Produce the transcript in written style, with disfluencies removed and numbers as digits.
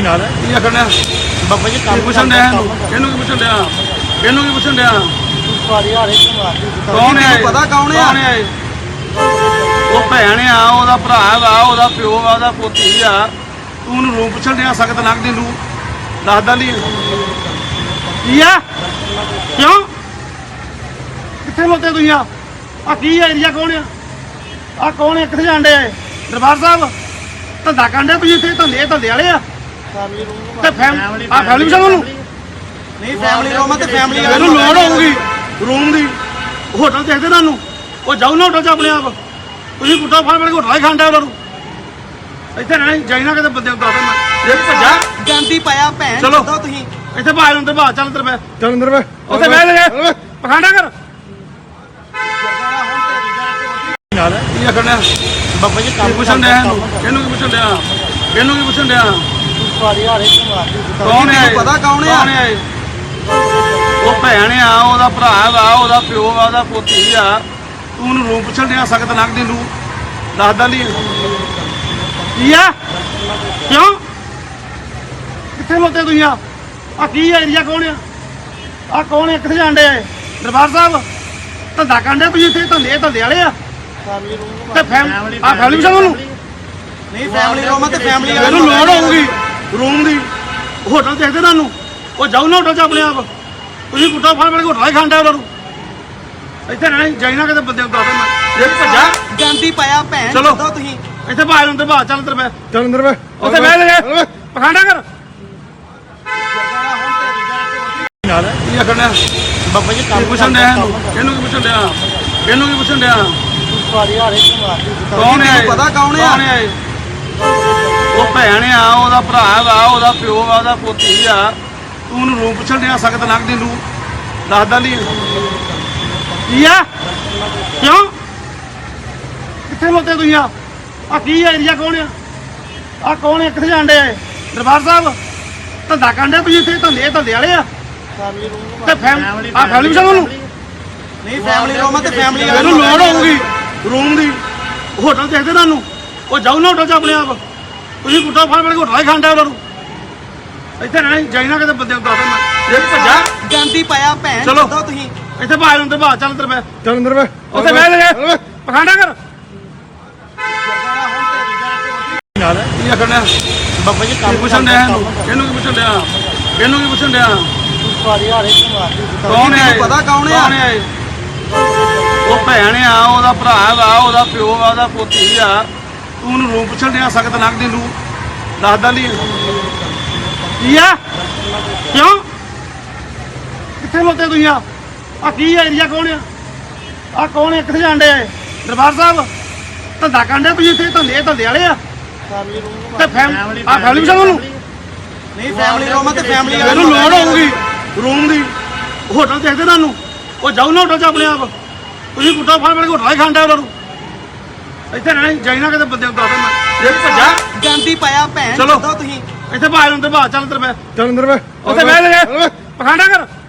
ਨਾਲ ਕੀ ਆਖਣਾ ਬਾਬਾ ਜੀ ਕੰਮ ਪੁੱਛਣ ਡਿਆ ਇਹਨੂੰ ਕੀ ਪੁੱਛਣ ਡਿਆ ਇਹਨੂੰ ਕੀ ਪੁੱਛਣ ਡਿਆ ਸਾਰੀ ਹਾਰੇ ਮਾਰਦੀ ਕੌਣ ਹੈ ਪਤਾ ਕੌਣ ਆ? ਇਹ? ਉਹ ਭੈਣ ਆ, ਉਹਦਾ ਭਰਾ ਵਾ, ਉਹਦਾ ਪਿਓ ਵਾ, ਉਹਦਾ ਪੋਤੀ ਆ। ਤੂੰ ਉਹਨੂੰ ਰੂਮ ਪੁੱਛਣ ਡਿਆ ਸਖਤ ਲੱਗਦੀ ਨੂੰ ਦੱਸਦਾ ਨਹੀਂ ਕੀ ਆ ਕਿਉਂ ਕਿੱਥੇ ਲੋਤੇ ਤੁਸੀਂ ਆ ਕੀ ਏਰੀਆ ਕੌਣ ਆ ਕੌਣ ਹੈ ਕਿੱਥੇ ਜਾਂਦੇ ਆ ਦਰਬਾਰ ਸਾਹਿਬ ਧੰਦਾ ਕਰਦੇ ਤੁਸੀਂ ਇੱਥੇ ਧੰਦੇ ਵਾਲੇ ਆ ਫੈਮਿਲੀ ਰੂਮ ਤੇ ਫੈਮਿਲੀ ਵਿੱਚ ਉਹਨੂੰ ਨਹੀਂ ਫੈਮਿਲੀ ਰੂਮ ਤੇ ਫੈਮਿਲੀ ਇਹਨੂੰ ਲੋੜ ਹੋਊਗੀ ਰੂਮ ਦੀ ਹੋਟਲ ਦੇਖਦੇ ਤੁਹਾਨੂੰ ਉਹ ਜਾਊ ਨਾ ਹੋਟਲ 'ਚ ਆਪਣੇ ਆਪ ਤੁਸੀਂ ਗੁੱਟਾ ਫੜ ਕੇ ਹੋਟਲ ਹੀ ਖਾਂਦਾ ਉਹਨਾਂ ਨੂੰ ਇੱਥੇ ਰਹਿਣਾ ਜਾਈਨਾ ਕਿਤੇ ਬੰਦੇ ਨੂੰ ਦੱਸ ਦੇਣਾ ਜੇ ਭੱਜਾ ਗੰਦੀ ਪਾਇਆ ਭੈਣ ਚਲੋ। ਦੱਸੋ ਤੁਸੀਂ ਇੱਥੇ ਬਾਹਰ ਅੰਦਰ ਬਾਹਰ ਚੱਲ ਅੰਦਰ ਬੈ ਚੱਲ ਅੰਦਰ ਵੇ ਉੱਥੇ ਬਹਿ ਲੈ ਪਖਾਂਡਾ ਕਰ ਨਾਲ ਕੀ ਆਖਣਾ ਬਾਬਾ ਜੀ ਕੀ ਕੰਮ ਪੁੱਛਣ ਡਿਆ ਇਹਨੂੰ ਕੀ ਪੁੱਛਣ ਡਿਆ ਇਹਨੂੰ ਕੀ ਪੁੱਛਣ ਡਿਆ ਸਾਰੀ ਹਾਰੇ ਮਾਰਦੀ ਕੌਣ ਹੈ ਇਹ? ਪਤਾ ਕੌਣ ਆ? ਇਹ? ਉਹ ਭੈਣ ਆ, ਉਹਦਾ ਭਰਾ ਵਾ, ਉਹਦਾ ਪਿਓ ਵਾ, ਉਹਦਾ ਪੋਤੀ ਆ। ਤੂੰ ਉਹਨੂੰ ਰੂਮ ਪੁੱਛਣ ਡਿਆ ਸਖਤ ਲੱਗਦੀ ਨੂੰ ਦੱਸਦਾ ਨਹੀਂ ਕੀ ਆ ਕਿਉਂ ਕਿੱਥੇ ਲੋਤੇ ਤੁਸੀਂ ਆ ਕੀ ਏਰੀਆ ਕੌਣ ਆ ਕੌਣ ਹੈ ਕਿੱਥੇ ਜਾਂਦੇ ਆ ਦਰਬਾਰ ਸਾਹਿਬ ਧੰਦਾ ਕਰਦੇ ਤੁਸੀਂ ਇੱਥੇ ਧੰਦੇ ਵਾਲੇ ਆ ਫੈਮਿਲੀ ਰੂਮ ਤੇ ਫੈਮਿਲੀ ਵਿੱਚ ਉਹਨੂੰ ਨਹੀਂ ਫੈਮਿਲੀ ਰੂਮ ਤੇ ਫੈਮਿਲੀ ਇਹਨੂੰ ਲੋੜ ਹੋਊਗੀ ਰੂਮ ਦੀ ਹੋਟਲ ਦੇਖਦੇ ਤੁਹਾਨੂੰ ਉਹ ਜਾਊ ਨਾ ਹੋਟਲ 'ਚ ਆਪਣੇ ਆਪ ਤੁਸੀਂ ਗੁੱਟਾ ਫੜ ਕੇ ਹੋਟਲ ਹੀ ਖਾਂਦਾ ਉਹਨਾਂ ਨੂੰ ਇੱਥੇ ਰਹਿਣਾ ਜਾਈਨਾ ਕਿਤੇ ਬੰਦੇ ਨੂੰ ਦੱਸ ਦੇਣਾ ਜੇ ਭੱਜਾ ਗੰਦੀ ਪਾਇਆ ਭੈਣ ਚਲੋ। ਦੱਸੋ ਤੁਸੀਂ ਇੱਥੇ ਬਾਹਰ ਅੰਦਰ ਬਾਹਰ ਚੱਲ ਅੰਦਰ ਬੈ ਚੱਲ ਅੰਦਰ ਵੇ ਉੱਥੇ ਬਹਿ ਲੈ ਪਖਾਂਡਾ ਕਰ ਨਾਲ ਕੀ ਆਖਣਾ ਬਾਬਾ ਜੀ ਕੀ ਕੰਮ ਪੁੱਛਣ ਡਿਆ ਇਹਨੂੰ ਕੀ ਪੁੱਛਣ ਡਿਆ ਇਹਨੂੰ ਕੀ ਪੁੱਛਣ ਡਿਆ ਸਾਰੀ ਹਾਰੇ ਮਾਰਦੀ ਕੌਣ ਹੈ ਇਹ? ਪਤਾ ਕੌਣ ਆ? ਇਹ? ਉਹ ਭੈਣ ਆ, ਉਹਦਾ ਭਰਾ ਵਾ, ਉਹਦਾ ਪਿਓ ਵਾ, ਉਹਦਾ ਪੋਤੀ ਆ। ਤੂੰ ਉਹਨੂੰ ਰੂਮ ਪੁੱਛਣ ਡਿਆ ਸਖਤ ਲੱਗਦੀ ਨੂੰ ਦੱਸਦਾ ਨਹੀਂ ਕੀ ਆ ਕਿਉਂ ਕਿੱਥੇ ਲੋਤੇ ਤੁਸੀਂ ਆ ਕੀ ਏਰੀਆ ਕੌਣ ਆ ਕੌਣ ਹੈ ਕਿੱਥੇ ਜਾਂਦੇ ਆ ਦਰਬਾਰ ਸਾਹਿਬ ਧੰਦਾ ਕਰਦੇ ਤੁਸੀਂ ਇੱਥੇ ਧੰਦੇ ਵਾਲੇ ਆ ਫੈਮਿਲੀ ਰੂਮ ਤੇ ਫੈਮਿਲੀ ਵਿੱਚ ਉਹਨੂੰ ਨਹੀਂ ਫੈਮਿਲੀ ਰੂਮ ਤੇ ਫੈਮਿਲੀ ਇਹਨੂੰ ਲੋੜ ਹੋਊਗੀ ਰੂਮ ਦੀ ਹੋਟਲ ਦੇਖਦੇ ਤੁਹਾਨੂੰ ਉਹ ਜਾਊ ਨਾ ਹੋਟਲ 'ਚ ਆਪਣੇ ਆਪ ਤੁਸੀਂ ਗੁੱਟਾ ਫੜ ਕੇ ਹੋਟਲ ਹੀ ਖਾਂਦਾ ਉਹਨਾਂ ਨੂੰ ਇੱਥੇ ਰਹਿਣਾ ਜਾਈਨਾ ਕਿਤੇ ਬੰਦੇ ਨੂੰ ਦੱਸ ਦੇਣਾ ਜੇ ਭੱਜਾ ਗੰਦੀ ਪਾਇਆ ਭੈਣ ਚਲੋ। ਦੱਸੋ ਤੁਸੀਂ ਇੱਥੇ ਬਾਹਰ ਅੰਦਰ ਬਾਹਰ ਚੱਲ ਅੰਦਰ ਬੈ ਚੱਲ ਅੰਦਰ ਵੇ ਉੱਥੇ ਬਹਿ ਲੈ ਪਖਾਂਡਾ ਕਰ ਨਾਲ ਕੀ ਆਖਣਾ ਬਾਬਾ ਜੀ ਕੀ ਕੰਮ ਪੁੱਛਣ ਡਿਆ ਇਹਨੂੰ ਕੀ ਪੁੱਛਣ ਡਿਆ ਇਹਨੂੰ ਕੀ ਪੁੱਛਣ ਡਿਆ ਸਾਰੀ ਹਾਰੇ ਮਾਰਦੀ ਕੌਣ ਹੈ ਇਹ? ਪਤਾ ਕੌਣ ਆ? ਇਹ? ਉਹ ਭੈਣ ਆ, ਉਹਦਾ ਭਰਾ ਵਾ, ਉਹਦਾ ਪਿਓ ਵਾ, ਉਹਦਾ ਪੋਤੀ ਆ। ਤੂੰ ਉਹਨੂੰ ਰੂਮ ਪੁੱਛਣ ਡਿਆ ਸਖਤ ਲੱਗਦੀ ਨੂੰ ਦੱਸਦਾ ਨਹੀਂ ਕੀ ਆ ਕਿਉਂ ਕਿੱਥੇ ਲੋਤੇ ਤੁਸੀਂ ਆ ਕੀ ਏਰੀਆ ਕੌਣ ਆ ਕੌਣ ਹੈ ਕਿੱਥੇ ਜਾਂਦੇ ਆ ਦਰਬਾਰ ਸਾਹਿਬ ਧੰਦਾ ਕਰਦੇ ਤੁਸੀਂ ਇੱਥੇ ਧੰਦੇ ਵਾਲੇ ਆ ਫੈਮਿਲੀ ਰੂਮ ਤੇ ਫੈਮਿਲੀ ਵਿੱਚ ਉਹਨੂੰ ਨਹੀਂ ਫੈਮਿਲੀ ਰੂਮ ਤੇ ਫੈਮਿਲੀ ਇਹਨੂੰ ਲੋੜ ਹੋਊਗੀ ਰੂਮ ਦੀ ਹੋਟਲ ਦੇਖਦੇ ਤੁਹਾਨੂੰ ਉਹ ਜਾਊ ਨਾ ਹੋਟਲ 'ਚ ਆਪਣੇ ਆਪ ਤੁਸੀਂ ਗੁੱਟਾ ਫੜ ਕੇ ਹੋਟਲ ਹੀ ਖਾਂਦਾ ਉਹਨਾਂ ਨੂੰ ਇੱਥੇ ਰਹਿਣਾ ਜਾਈਨਾ ਕਿਤੇ ਬੰਦੇ ਨੂੰ ਦੱਸ ਦੇਣਾ ਜੇ ਭੱਜਾ ਗੰਦੀ ਪਾਇਆ ਭੈਣ ਚਲੋ। ਦੱਸੋ ਤੁਸੀਂ ਇੱਥੇ ਬਾਹਰ ਅੰਦਰ ਬਾਹਰ ਚੱਲ ਅੰਦਰ ਬੈ ਚੱਲ ਅੰਦਰ ਵੇ ਉੱਥੇ ਬਹਿ ਲੈ ਪਖਾਂਡਾ ਕਰ